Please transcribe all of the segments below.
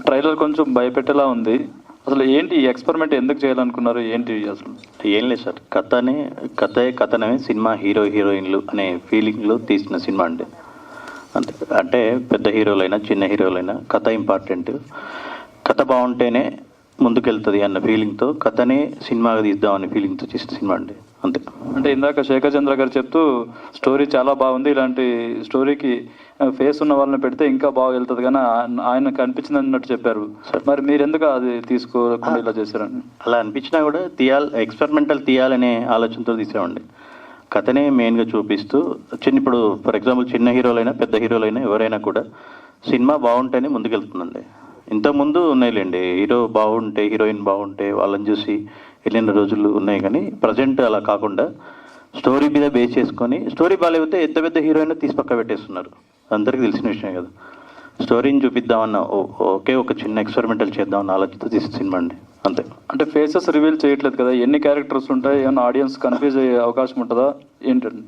Trailer కొంచెం భయపెట్టేలా ఉంది. అసలు ఏంటి ఈ ఎక్స్పెరిమెంట్ ఎందుకు చేయాలనుకున్నారు, ఏంటి అసలు? ఏం లేదు సార్, కథనమే సినిమా హీరో హీరోయిన్లు అనే ఫీలింగ్లో తీసిన సినిమా అండి. అంతే. అంటే పెద్ద హీరోలైనా చిన్న హీరోలైనా కథ ఇంపార్టెంట్, కథ బాగుంటేనే ముందుకెళ్తుంది అన్న ఫీలింగ్తో కథనే సినిమాగా తీద్దామనే ఫీలింగ్తో చేసిన సినిమా అండి. అంతే. అంటే ఇందాక శేఖర్ చంద్ర గారు చెప్తూ స్టోరీ చాలా బాగుంది, ఇలాంటి స్టోరీకి ఫేస్ ఉన్న వాళ్ళని పెడితే ఇంకా బాగా వెళ్తుంది కానీ ఆయన కనిపించింది అన్నట్టు చెప్పారు. మరి మీరు ఎందుకు అది తీసుకోకుండా ఇలా చేశారని? అలా అనిపించినా కూడా ఎక్స్పెరిమెంటల్ తీయాలనే ఆలోచనతో తీసామండి. కథనే మెయిన్గా చూపిస్తూ ఇప్పుడు ఫర్ ఎగ్జాంపుల్ చిన్న హీరోలైనా పెద్ద హీరోలైనా ఎవరైనా కూడా సినిమా బాగుంటేనే ముందుకెళ్తుందండి. ఇంతకుముందు ఉన్నాయిలేండి, హీరో బాగుంటే హీరోయిన్ బాగుంటే వాళ్ళని చూసి వెళ్ళిన రోజులు ఉన్నాయి, కానీ ప్రజెంట్ అలా కాకుండా స్టోరీ మీద బేస్ చేసుకొని స్టోరీ బాగాలేకపోతే ఎంత పెద్ద హీరోయిన్ తీసి పక్క పెట్టేస్తున్నారు. అందరికీ తెలిసిన విషయం కదా. స్టోరీని చూపిద్దామన్న ఒక చిన్న ఎక్స్పెరిమెంటల్ చేద్దామన్న ఆలోచనతో తీసిన సినిమా అండి. అంతే. అంటే ఫేసెస్ రివీల్ చేయట్లేదు కదా, ఎన్ని క్యారెక్టర్స్ ఉంటాయి, ఏమన్నా ఆడియన్స్ కన్ఫ్యూజ్ అయ్యే అవకాశం ఉంటుందా ఏంటండి?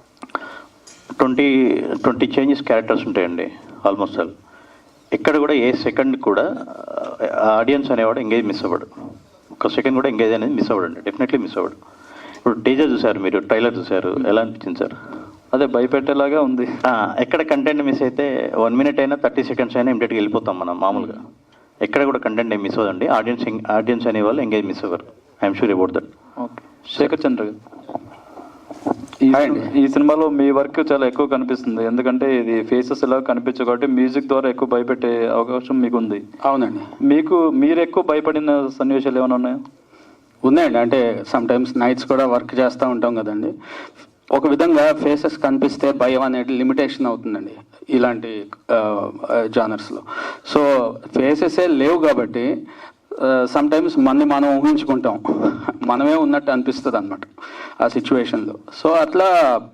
20 చేంజెస్ క్యారెక్టర్స్ ఉంటాయండి ఆల్మోస్ట్ ఆల్. ఎక్కడ కూడా ఏ సెకండ్ కూడా ఆడియన్స్ అనేవాడు ఎంగేజ్ మిస్ అవ్వడు. ఒక సెకండ్ కూడా ఎంగేజ్ అనేది మిస్ అవ్వడండి, డెఫినెట్లీ మిస్ అవ్వడు. ఇప్పుడు టీజర్ చూసారు, మీరు ట్రైలర్ చూసారు, ఎలా అనిపించింది సార్? అదే భయపెట్టేలాగా ఉంది. ఎక్కడ కంటెంట్ మిస్ అయితే 1 minute అయినా 30 seconds అయినా ఇమీడియట్గా వెళ్ళిపోతాం మనం మామూలుగా. ఎక్కడ కూడా కంటెంట్ ఏం మిస్ అవ్వదండి. ఆడియన్స్ అనే వాళ్ళు ఎంగేజ్ మిస్ అవ్వరు. I'm sure about that. Okay. Shekhar Chandra garu, ఈ సినిమాలో మీ వర్క్ చాలా ఎక్కువ కనిపిస్తుంది, ఎందుకంటే ఇది ఫేసెస్ ఎలా కనిపించవు కాబట్టి మ్యూజిక్ ద్వారా ఎక్కువ భయపెట్టే అవకాశం మీకు ఉంది. అవునండి. మీరు ఎక్కువ భయపడిన సన్నివేశాలు ఏమైనా ఉన్నాయా? ఉన్నాయండి. అంటే సమ్ టైమ్స్ నైట్స్ కూడా వర్క్ చేస్తూ ఉంటాం కదండి. ఒక విధంగా ఫేసెస్ కనిపిస్తే భయం అనేది లిమిటేషన్ అవుతుందండి ఇలాంటి జానర్స్లో. సో ఫేసెసే లేవు కాబట్టి సమ్ టైమ్స్ మనం ఊహించుకుంటాం, మనమే ఉన్నట్టు అనిపిస్తుంది అనమాట ఆ సిచ్యువేషన్లో. సో అట్లా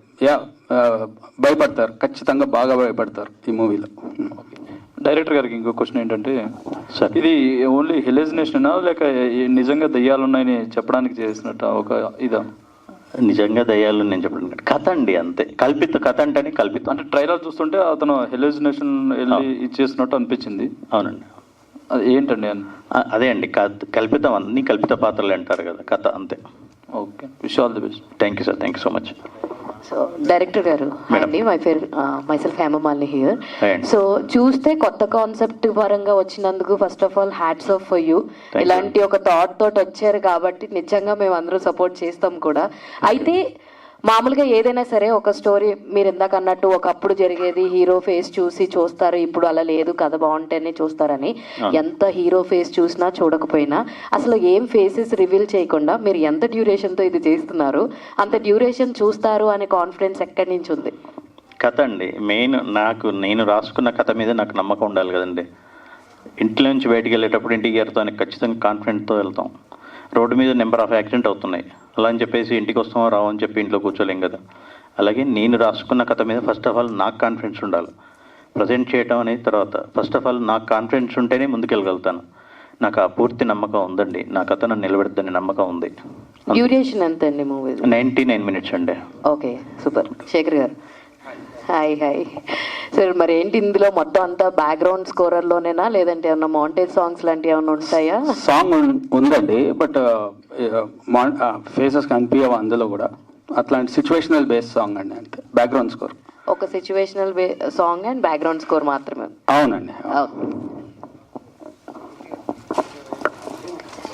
భయపడతారు, ఖచ్చితంగా బాగా భయపడతారు ఈ మూవీలో. డైరెక్టర్ గారికి ఇంకో క్వశ్చన్ ఏంటంటే, ఇది ఓన్లీ హెలిజినేషనా లేక నిజంగా దయ్యాలున్నాయని చెప్పడానికి చేసినట్ట ఒక ఇదా? నిజంగా దయ్యాలు నేను చెప్పడం కథ అండి, అంతే. కథ అంటేనే కల్పితం. అంటే ట్రైలర్ చూస్తుంటే అతను హెలిజినేషన్ వెళ్ళి ఇచ్చేసినట్టు అనిపించింది. అవునండి. అది ఏంటండి అని? అదే అండి, కల్పితం. అన్ని కల్పిత పాత్రలు అంటారు కదా, కథ అంతే. Okay. Wish all the best. Thank you sir, thank you so much. So director గారు, అండి మైసెల్ఫ్ హేమమాలిని హియర్. సో చూస్తే కొత్త కాన్సెప్ట్ పరంగా వచ్చినందుకు first of all hats off for you. ఇలాంటి ఒక థాట్ తోటి వచ్చారు కాబట్టి నిజంగా మేము అందరూ సపోర్ట్ చేస్తాం కూడా. అయితే మామూలుగా ఏదైనా సరే ఒక స్టోరీ మీరు ఇందాక అన్నట్టు ఒకప్పుడు జరిగేది హీరో ఫేస్ చూసి చూస్తారు, ఇప్పుడు అలా లేదు, కథ బాగుంటేనే చూస్తారని. ఎంత హీరో ఫేస్ చూసినా చూడకపోయినా అసలు ఏం ఫేసెస్ రివీల్ చేయకుండా మీరు ఎంత డ్యూరేషన్తో ఇది చేస్తున్నారు, అంత డ్యూరేషన్ చూస్తారు అనే కాన్ఫిడెన్స్ ఎక్కడి నుంచి ఉంది? కథ అండి మెయిన్. నేను రాసుకున్న కథ మీద నాకు నమ్మకం ఉండాలి కదండి. ఇంట్లో నుంచి బయటికి వెళ్ళేటప్పుడు ఇంటికి వెళ్తాను ఖచ్చితంగా కాన్ఫిడెంట్తో వెళ్తాం. రోడ్డు మీద నెంబర్ ఆఫ్ యాక్సిడెంట్ అవుతున్నాయి, అలా అని చెప్పేసి ఇంటికి వస్తామో రావు అని చెప్పి ఇంట్లో కూర్చోలేం కదా. అలాగే నేను రాసుకున్న కథ మీద ఫస్ట్ ఆఫ్ ఆల్ నాకు కాన్ఫిడెన్స్ ఉండాలి. ప్రజెంట్ చేయడం అనేది తర్వాత. ఫస్ట్ ఆఫ్ ఆల్ నాకు కాన్ఫిడెన్స్ ఉంటేనే ముందుకెళ్ళగలుగుతాను. నాకు ఆ పూర్తి నమ్మకం ఉందండి, నా కథ నన్ను నిలబెడతాని నమ్మకం ఉంది. డ్యూరేషన్ ఎంత అండి మూవీ? 99 minutes అండి. Okay, super. Shekhar garu, hi. Sir మరి ఏంటి ఇందులో మొత్తం అంతా బ్యాక్గ్రౌండ్ స్కోరర్లోనేనా లేదంటే ఏమన్నా మౌంటేజ్ సాంగ్స్ లాంటివి ఏమన్నా ఉంటాయా? సాంగ్ ఉందండి, బట్ ఫేసెస్ కనిపించవు అందులో కూడా. అట్లాంటి సిచ్యువేషనల్ బేస్ సాంగ్ అండి, అంతే. బ్యాక్గ్రౌండ్ స్కోర్ ఒక situational song and background score మాత్రమే. అవునండి.